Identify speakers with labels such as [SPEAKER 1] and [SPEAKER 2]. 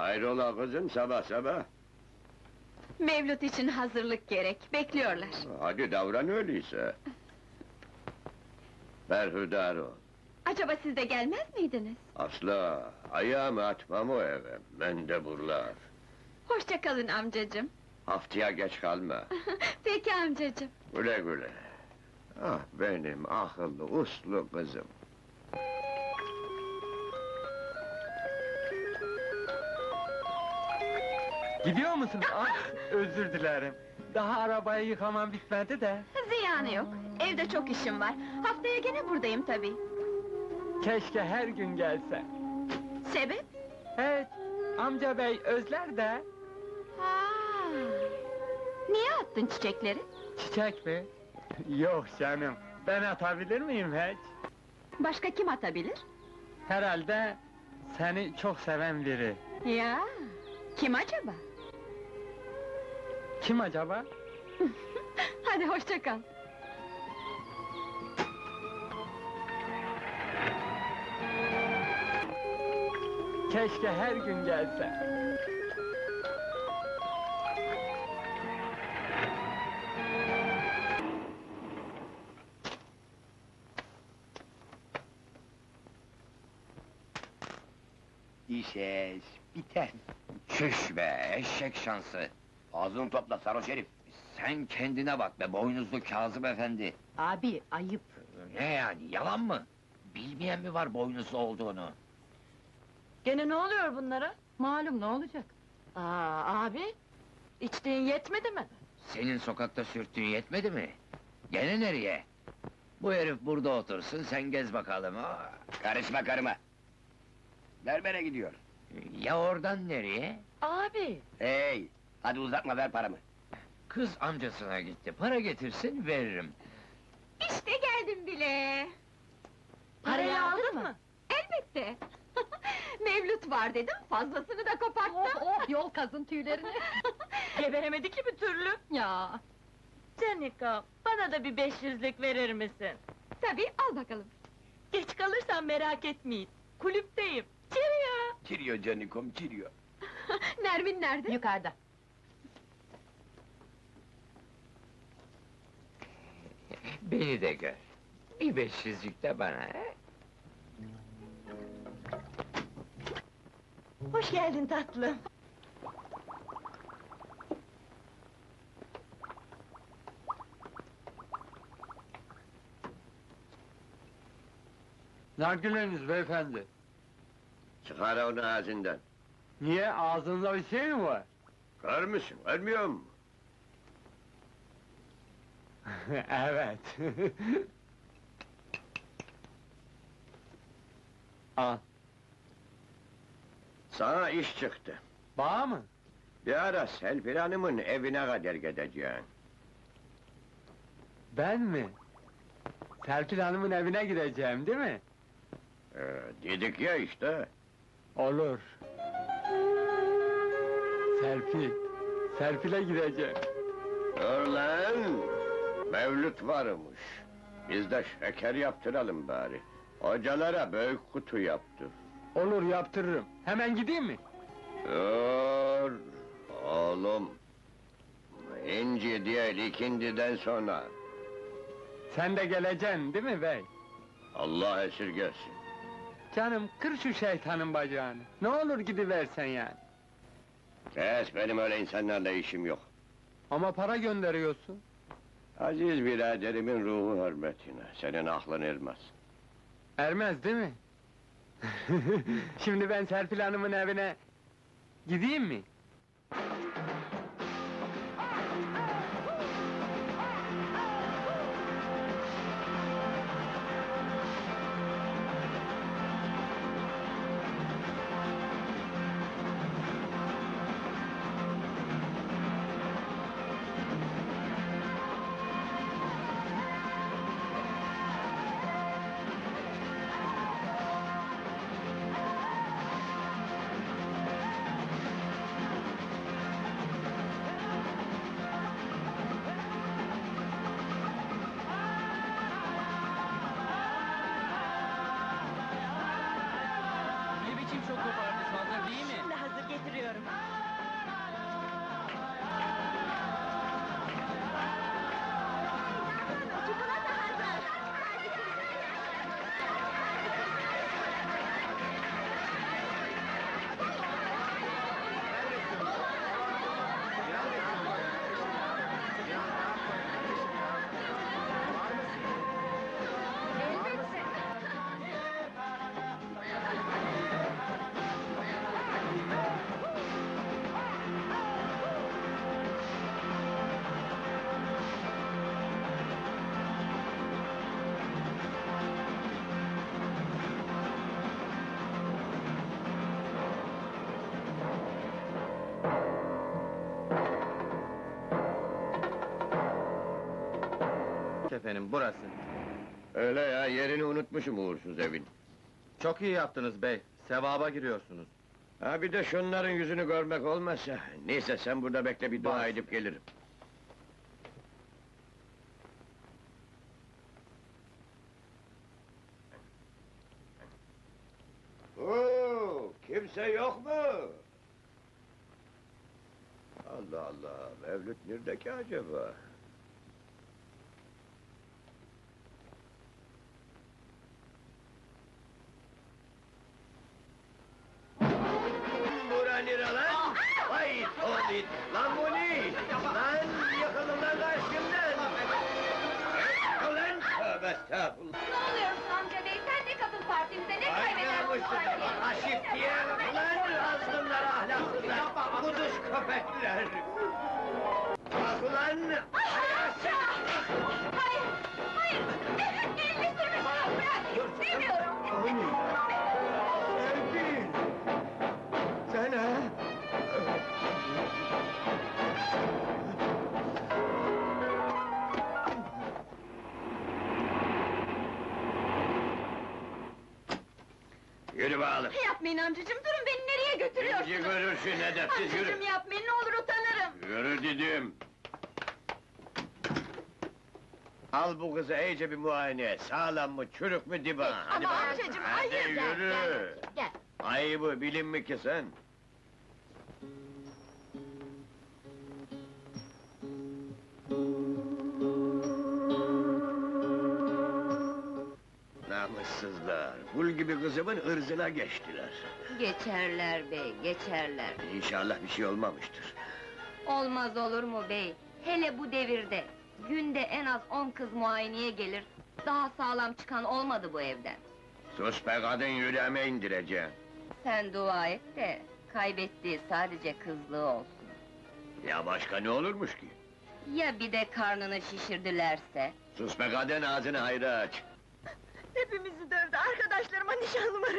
[SPEAKER 1] Hayrola kızım, sabah sabah?
[SPEAKER 2] Mevlüt için hazırlık gerek, bekliyorlar.
[SPEAKER 1] Hadi davran öyleyse. Berhudar ol.
[SPEAKER 2] Acaba siz de gelmez miydiniz?
[SPEAKER 1] Asla, ayağımı atmam o eve, mendeburlar.
[SPEAKER 2] Hoşça kalın amcacığım.
[SPEAKER 1] Haftaya geç kalma.
[SPEAKER 2] Peki amcacığım.
[SPEAKER 1] Güle güle. Ah benim akıllı, uslu kızım.
[SPEAKER 3] Gidiyor musun? Ah, özür dilerim. Daha arabayı yıkamam bitmedi de.
[SPEAKER 2] Ziyanı yok, evde çok işim var. Haftaya gene buradayım tabii.
[SPEAKER 3] Keşke her gün gelse.
[SPEAKER 2] Sebep?
[SPEAKER 3] Evet, amca bey özler de.
[SPEAKER 2] Ha. Niye attın çiçekleri?
[SPEAKER 3] Çiçek mi? Yok canım, ben atabilir miyim hiç?
[SPEAKER 2] Başka kim atabilir?
[SPEAKER 3] Herhalde seni çok seven biri.
[SPEAKER 2] Ya, kim acaba?
[SPEAKER 3] Kim acaba?
[SPEAKER 2] Hadi hoşça kal.
[SPEAKER 3] Keşke her gün gelse.
[SPEAKER 4] İşeş, biter. Çüş be, eşek şansı! Ağzını topla sarhoş herif! Sen kendine bak be, boynuzlu Kazım efendi!
[SPEAKER 5] Abi, ayıp!
[SPEAKER 4] Ne yani, yalan mı? Bilmeyen mi var boynuzlu olduğunu?
[SPEAKER 5] Gene ne oluyor bunlara? Malum, ne olacak? Aa, abi! İçtiğin yetmedi mi?
[SPEAKER 4] Senin sokakta sürttüğün yetmedi mi? Gene nereye? Bu herif burada otursun, sen gez bakalım! Karışma karıma! Berbere gidiyor! Ya oradan nereye?
[SPEAKER 5] Abi!
[SPEAKER 4] Hey! Hadi uzatma, ver paramı! Kız amcasına gitti, para getirsin, veririm!
[SPEAKER 2] İşte geldim bile.
[SPEAKER 5] Parayı aldın mı?
[SPEAKER 2] Elbette. Mevlüt var dedim, fazlasını da koparttım.
[SPEAKER 5] Oh, yol kazın tüylerini! Geberemedi ki bir türlü! Ya! Canika, bana da bir 500'lük verir misin?
[SPEAKER 2] Tabii, al bakalım.
[SPEAKER 5] Geç kalırsan merak etmeyin, kulüpteyim! Cheerio!
[SPEAKER 4] Çiriyor canikom, çiriyor!
[SPEAKER 2] Nermin nerede?
[SPEAKER 5] Yukarıda!
[SPEAKER 4] Beni de gör! Bir 500'lük de bana, he?
[SPEAKER 5] Hoş geldin tatlım!
[SPEAKER 3] Nargileniz beyefendi.
[SPEAKER 1] Çıkar onu ağzından.
[SPEAKER 3] Niye, ağzında bir şey mi var?
[SPEAKER 1] Kör müsün, görmüyor musun?
[SPEAKER 3] Evet. Al,
[SPEAKER 1] Sana iş çıktı.
[SPEAKER 3] bağ mı?
[SPEAKER 1] Bir ara Selfir Hanım'ın evine kadar gideceksin.
[SPEAKER 3] Ben mi? Serpil Hanım'ın evine gideceğim, değil mi?
[SPEAKER 1] Dedik ya işte.
[SPEAKER 3] Olur. Serpil, Serpil'e gideceğim.
[SPEAKER 1] Dur lan! Mevlüt varmış. Biz de şeker yaptıralım bari. Hocalara büyük kutu yaptır.
[SPEAKER 3] Olur, yaptırırım. Hemen gideyim mi?
[SPEAKER 1] Dur! Oğlum! İnci değil, ikindiden sonra.
[SPEAKER 3] Sen de geleceksin, değil mi bey?
[SPEAKER 1] Allah esirgesin.
[SPEAKER 3] Canım, kır şu şeytanın bacağını. Ne olur gidiversen yani.
[SPEAKER 1] Kes, benim öyle insanlarla işim yok.
[SPEAKER 3] Ama para gönderiyorsun.
[SPEAKER 1] Aziz biraderimin ruhu hürmetine, senin aklın ermez.
[SPEAKER 3] Ermez, değil mi? Şimdi ben Serpil Hanım'ın evine gideyim mi?
[SPEAKER 6] Efendim, burası.
[SPEAKER 1] Öyle ya, yerini unutmuşum uğursuz evin.
[SPEAKER 6] Çok iyi yaptınız bey, sevaba giriyorsunuz.
[SPEAKER 1] Ha bir de şunların yüzünü görmek olmazsa... Neyse sen burada bekle, bir dua
[SPEAKER 6] Baş.
[SPEAKER 1] edip gelirim. Oo, kimse yok mu? Allah Allah, Mevlüt nerede ki acaba? Bura nere lan? Vay Tobit! Lan bu ne? Lan yıkılın lan karşımdan! Ulan tövbe estağfurullah!
[SPEAKER 2] Ne oluyorsun amca bey? Sen de katıl partimize, ne
[SPEAKER 1] Ay
[SPEAKER 2] kaybeder bu
[SPEAKER 1] namussuzlar!
[SPEAKER 2] parti?
[SPEAKER 1] Aşık diye! Ulan azgınlar ahlaksızlar! Kuduz köpekler! Bak ulan!
[SPEAKER 2] Aşağı! Hayır, hayır! Elini sürme bana, bırak! İstemiyorum!
[SPEAKER 1] Sevgil! Sen ha? Yürü bakalım!
[SPEAKER 2] Yapmayın amcacığım, durun beni nereye
[SPEAKER 1] Bizi
[SPEAKER 2] götürüyorsunuz?
[SPEAKER 1] görürsün edepsiz, yürü!
[SPEAKER 2] Amcacığım yapmayın, ne olur utanırım!
[SPEAKER 1] Yürü dedim! Al bu kızı iyice bir muayene et, sağlam mı, çürük mü diba? Hadi
[SPEAKER 2] Ama
[SPEAKER 1] bakalım.
[SPEAKER 2] amcacığım,
[SPEAKER 1] Hadi
[SPEAKER 2] hayır!
[SPEAKER 1] yürü!
[SPEAKER 2] Gel!
[SPEAKER 1] Ayıbı bilin mi ki sen? Namussuzlar, kul gibi kızımın ırzına geçtiler.
[SPEAKER 7] Geçerler bey, geçerler.
[SPEAKER 1] İnşallah bir şey olmamıştır.
[SPEAKER 7] Olmaz olur mu bey? Hele bu devirde, günde en az 10 kız muayeneye gelir. Daha sağlam çıkan olmadı bu evden.
[SPEAKER 1] Sus be kadın, yüreğime indireceğim.
[SPEAKER 7] Sen dua et de, kaybettiği sadece kızlığı olsun.
[SPEAKER 1] Ya başka ne olurmuş ki?
[SPEAKER 7] Ya bir de karnını şişirdilerse?
[SPEAKER 1] Sus be kadın, ağzını hayra aç.
[SPEAKER 2] Hepimizi dövdü, arkadaşlarıma nişanlımı